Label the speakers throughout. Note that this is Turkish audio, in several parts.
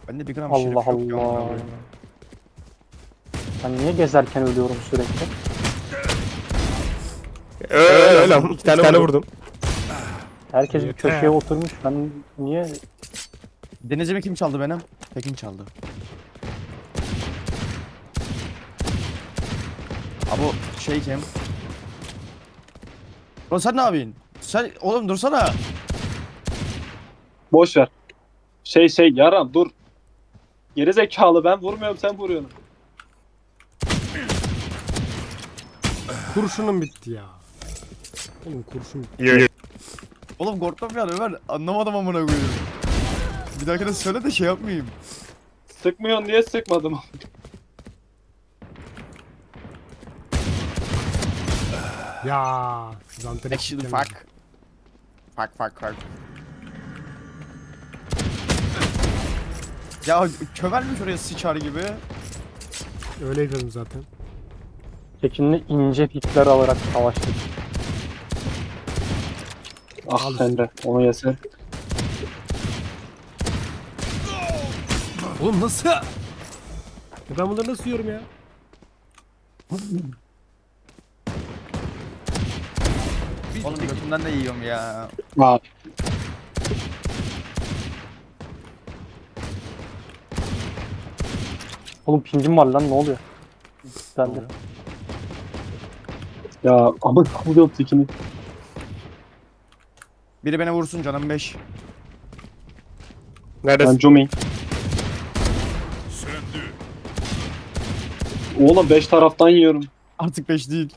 Speaker 1: Bende bir gram
Speaker 2: Allah
Speaker 1: şeref yok ya, amına
Speaker 2: Allah.
Speaker 1: koyayım.
Speaker 2: Ben niye gezerken ölüyorum sürekli?
Speaker 3: Öyle lan. İki tane vurdum.
Speaker 2: Herkes bir
Speaker 4: Yeter.
Speaker 2: köşeye oturmuş. Ben niye?
Speaker 1: Denizimi kim çaldı benim? Tekin çaldı. Abi o şey kim? Oğlum sen ne yapıyorsun? Sen oğlum dursana.
Speaker 5: Boş ver. Yaran dur. Geri zekalı, ben vurmuyorum, sen vuruyorsun.
Speaker 4: Kurşunum bitti ya. Oğlum kurşun bitti.
Speaker 3: Yo.
Speaker 1: Oğlum korktum ya Ömer. Anlamadım amına koyayım. Bir dahakine söyle de şey yapmayayım.
Speaker 5: Sıkmıyorsun diye sıkmadım.
Speaker 4: Ya. Zanteres
Speaker 1: Actually
Speaker 4: sistemi.
Speaker 1: fuck. Fuck. Ya kömelmiş oraya sıçar gibi.
Speaker 4: Öyle yapıyordum zaten.
Speaker 2: Tekin'le ince pikler alarak savaştık.
Speaker 5: Ah Emre, onu yesen.
Speaker 4: Oğlum nasıl? Ya ben bunları nasıl yiyorum ya?
Speaker 1: Oğlum götümden de yiyorum ya.
Speaker 5: Aa,
Speaker 2: Oğlum pingim var lan, ne oluyor? Ben de.
Speaker 5: ya ama vuruyorum tekini.
Speaker 1: Biri beni vursun canım 5.
Speaker 5: Ben
Speaker 3: Neredesin?
Speaker 5: Jumi. Oğlum 5 taraftan yiyorum.
Speaker 1: Artık 5 değil.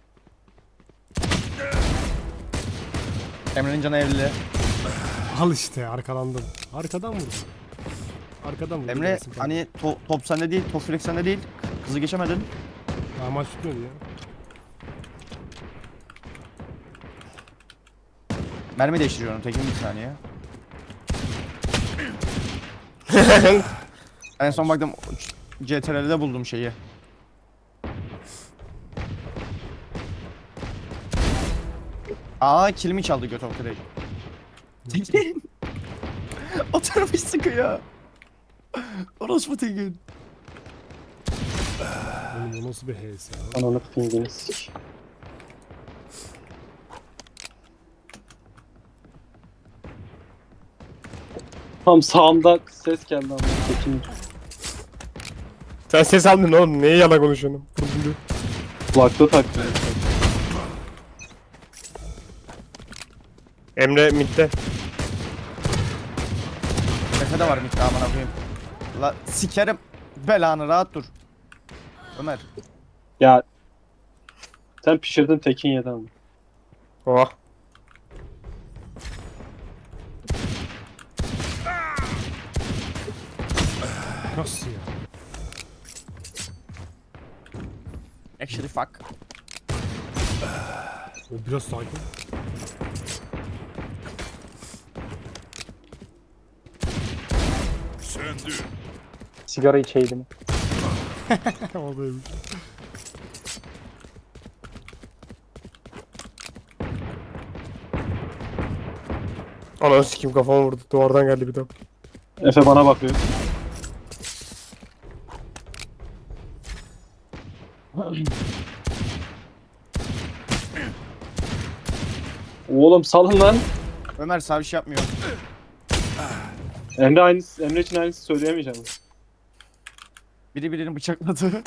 Speaker 1: Emre'nin canı 50.
Speaker 4: Al işte arkalandım. Arkadan vurdum. Arkadan vurdum.
Speaker 1: Emre hani top sende değil, top flex sende değil. Kızı geçemedin.
Speaker 4: Ya maç tutmuyordu ya.
Speaker 1: Mermi değiştiriyorum Tekin bir saniye. En son baktım CTRL'de buldum şeyi. Aa kilimi çaldı göt direkt. Tekin. Oturmuş sıkıyor. Orospu Tekin.
Speaker 4: Oğlum o nasıl bir HS ya?
Speaker 5: Ananı pingini sik. Tam sağımda ses geldi ama tekin.
Speaker 3: Sen ses aldın oğlum. Neye yalan konuşuyorsun? Vurdum diyor.
Speaker 5: Kulaklığı taktı.
Speaker 3: Emre midde.
Speaker 1: Efe de var mikro amına koyayım. La sikerim belanı rahat dur. Ömer.
Speaker 5: Ya sen pişirdin, tekin yedi ama.
Speaker 3: Oh.
Speaker 4: Nasıl ya?
Speaker 1: Actually fuck.
Speaker 4: O biraz sakin.
Speaker 2: Sigara içeydim.
Speaker 4: Oradaymış.
Speaker 3: Ananı sikeyim kafama vurdu. Duvardan geldi bir top.
Speaker 5: Efe bana bakıyor. Oğlum salın lan.
Speaker 1: Ömer sağ bir şey yapmıyor.
Speaker 5: Emre için aynısı söyleyemeyeceğim.
Speaker 1: Biri birini bıçakladı.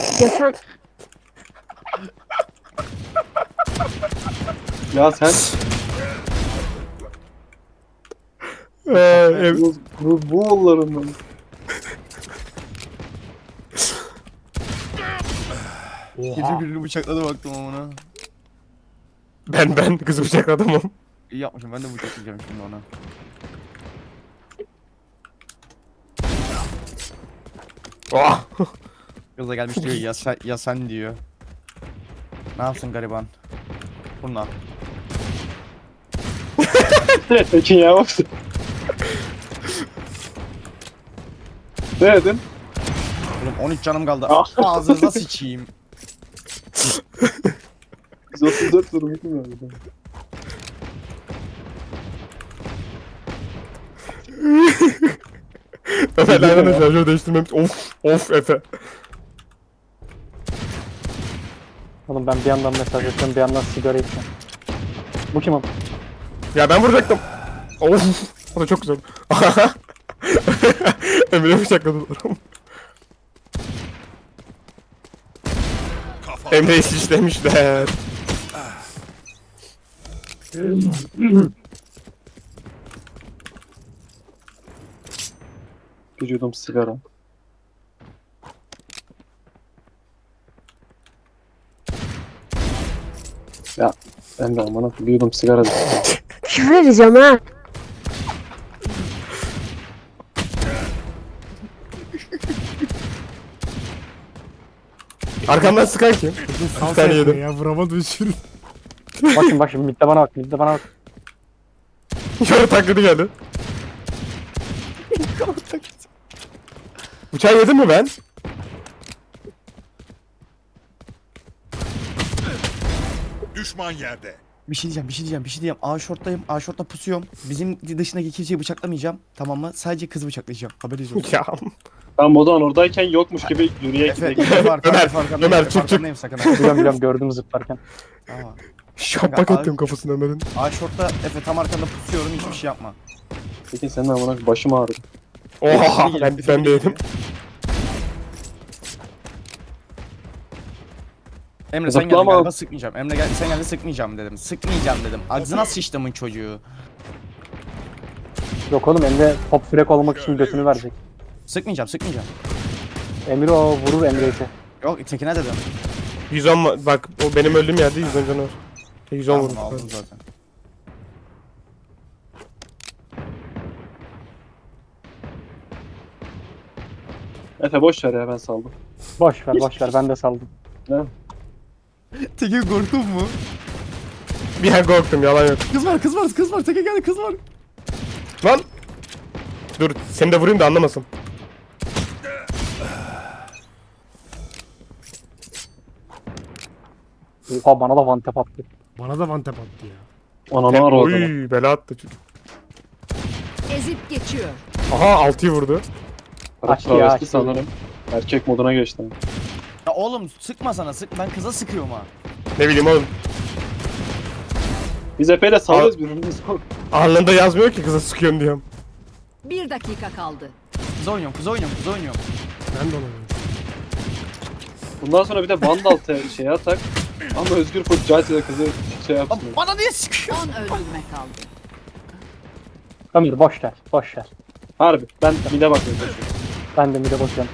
Speaker 5: Ya sen bu oğullarından.
Speaker 1: Biri
Speaker 4: Oha.
Speaker 1: birini bıçakladı baktım ona.
Speaker 3: Ben kızı bıçakladım oğlum.
Speaker 1: İyi yapmışım ben de bıçaklayacağım şimdi ona.
Speaker 3: Oh.
Speaker 1: Kız da gelmiş diyor ya sen diyor. Ne yapsın gariban? Bununla.
Speaker 5: Tekin ya baksın. Ne dedin?
Speaker 1: Oğlum 13 canım kaldı.
Speaker 5: Ah.
Speaker 1: Ağzınıza sıçayım.
Speaker 5: 134 durum bilmiyorum.
Speaker 3: Ömer aynen şarjör değiştirmemiş. Of Efe.
Speaker 2: Oğlum ben bir yandan mesaj yapıyorum, bir yandan sigara içiyorum. Bu kim oğlum?
Speaker 3: Ya ben vuracaktım. Of. O da çok güzel. Emre'ye bıçakladılar. Emre'yi şişlemişler.
Speaker 5: Bir yudum sigara. Ya Emre amına bir yudum sigara.
Speaker 6: Küfür edeceğim ha.
Speaker 3: Arkamdan sıkan kim?
Speaker 4: Sal
Speaker 3: Bir tane
Speaker 4: sen
Speaker 3: yedim.
Speaker 4: ya vuramadım şimdi.
Speaker 2: Bak şimdi midde bana bak, midde bana bak.
Speaker 3: Yarı taklidi geldi. Bıçağı yedim mi ben?
Speaker 7: Düşman yerde.
Speaker 1: Bir şey diyeceğim. A short'tayım. A short'ta pusuyorum. Bizim dışındaki kimseyi bıçaklamayacağım. Tamam mı? Sadece kızı bıçaklayacağım. Haberiniz olsun.
Speaker 3: Ya.
Speaker 5: Ben o zaman oradayken yokmuş gibi yürüye
Speaker 1: Efe,
Speaker 5: gidelim.
Speaker 1: Efe arkandayım,
Speaker 3: Ömer,
Speaker 1: arkandayım,
Speaker 3: Ömer,
Speaker 1: Efe
Speaker 3: çık, çık.
Speaker 1: arkandayım, sakın ha.
Speaker 2: Biliyorum gördüm zıplarken.
Speaker 1: Tamam.
Speaker 3: Şapak ettim kafasına Ömer'in.
Speaker 1: A short'ta Efe tam arkanda pusuyorum, hiçbir şey yapma.
Speaker 5: Peki senin amına başım ağrıdı.
Speaker 3: Oha
Speaker 1: Efe,
Speaker 3: ben
Speaker 1: Efe,
Speaker 3: de yedim.
Speaker 1: Emre sen geldin
Speaker 5: Zıplama.
Speaker 1: galiba, sıkmayacağım. Emre gel, sen geldin, sıkmayacağım dedim. Sıkmayacağım dedim. Ağzına sıçtımın çocuğu.
Speaker 2: Yok oğlum, Emre top frek olmak için götünü verecek.
Speaker 1: Sıkmayacağım.
Speaker 2: Emre o vurur Emre'yi.
Speaker 1: Yok tekine dedim.
Speaker 3: 110 bak o benim öldüğüm yerde 110 canı var. 110
Speaker 1: Tamam,
Speaker 3: vurmuş.
Speaker 1: aldım zaten.
Speaker 5: Efe boş ver ya ben saldım.
Speaker 2: Boş ver ben de saldım.
Speaker 1: Tekin korktun mu?
Speaker 3: Bir an korktum yalan yok.
Speaker 1: Kız var. Tekin geldi, kız var.
Speaker 3: Lan! Dur seni de vurayım da anlamasın.
Speaker 2: Oha bana da one tap attı.
Speaker 4: Bana da one tap attı ya.
Speaker 5: Ananı aradı.
Speaker 3: Oy bela attı.
Speaker 6: Ezip geçiyor.
Speaker 3: Aha 6'yı vurdu.
Speaker 2: Açtı ya,
Speaker 5: Travesti
Speaker 2: açtı.
Speaker 5: sanırım. Erkek moduna geçti.
Speaker 1: Ya oğlum sıkma sana, sık. Ben kıza sıkıyorum ha.
Speaker 3: Ne bileyim oğlum.
Speaker 5: Biz Efe'yle sağlıyoruz birbirimizi.
Speaker 3: Alnında yazmıyor ki kıza sıkıyorum diyorum.
Speaker 6: 1 dakika kaldı.
Speaker 1: Kız oynuyorum.
Speaker 4: Ben de ona benziyorum.
Speaker 5: Bundan sonra bir de Vandal şey atak. Ama Özgür full Cahit'e kızı şey yapsın.
Speaker 1: Lan bana niye sıkıyor?
Speaker 6: 10 öldürme kaldı.
Speaker 2: Ömer boş ver.
Speaker 5: Harbi ben mide bakıyorum.
Speaker 2: Ben de mid'e bakıyorum.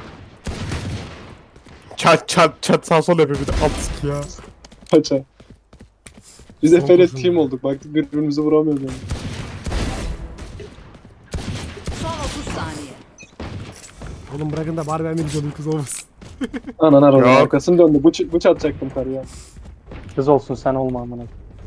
Speaker 3: Çat sağ sol yapıyor bir de alt sık ya.
Speaker 5: Paça. Biz
Speaker 4: Son
Speaker 5: Efe'yle
Speaker 4: kurşun
Speaker 5: team
Speaker 4: ya.
Speaker 5: olduk. Baktık birbirimizi vuramıyoruz yani.
Speaker 6: Son 30 saniye.
Speaker 4: Oğlum bırakın da bari ben de güzel bir kız olmasın.
Speaker 5: Anan aradı.
Speaker 3: Yok.
Speaker 5: Arkasını döndü. Bıç atacaktım karıya.
Speaker 2: Kız olsun sen olma amına.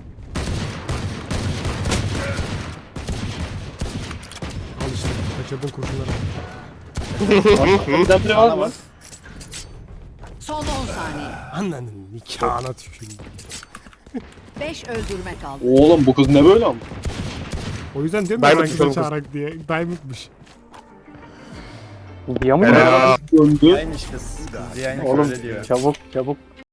Speaker 4: Al işte kaçırdın kurşunları.
Speaker 5: Bizden biri var mı?
Speaker 6: Son 10 saniye.
Speaker 4: Annenin nikahına tükürdüm.
Speaker 6: 5 öldürme kaldı.
Speaker 5: Oğlum bu kız ne böyle ama?
Speaker 4: O yüzden diyorum
Speaker 3: Diamond
Speaker 4: ya ben kıza
Speaker 3: kız.
Speaker 4: çağırak diye. Diamond'mış.
Speaker 2: Diyor mu?
Speaker 3: Helal.
Speaker 5: Döndü.
Speaker 1: Yaymış kız. Yaymış
Speaker 2: Oğlum
Speaker 1: öyle diyor.
Speaker 2: çabuk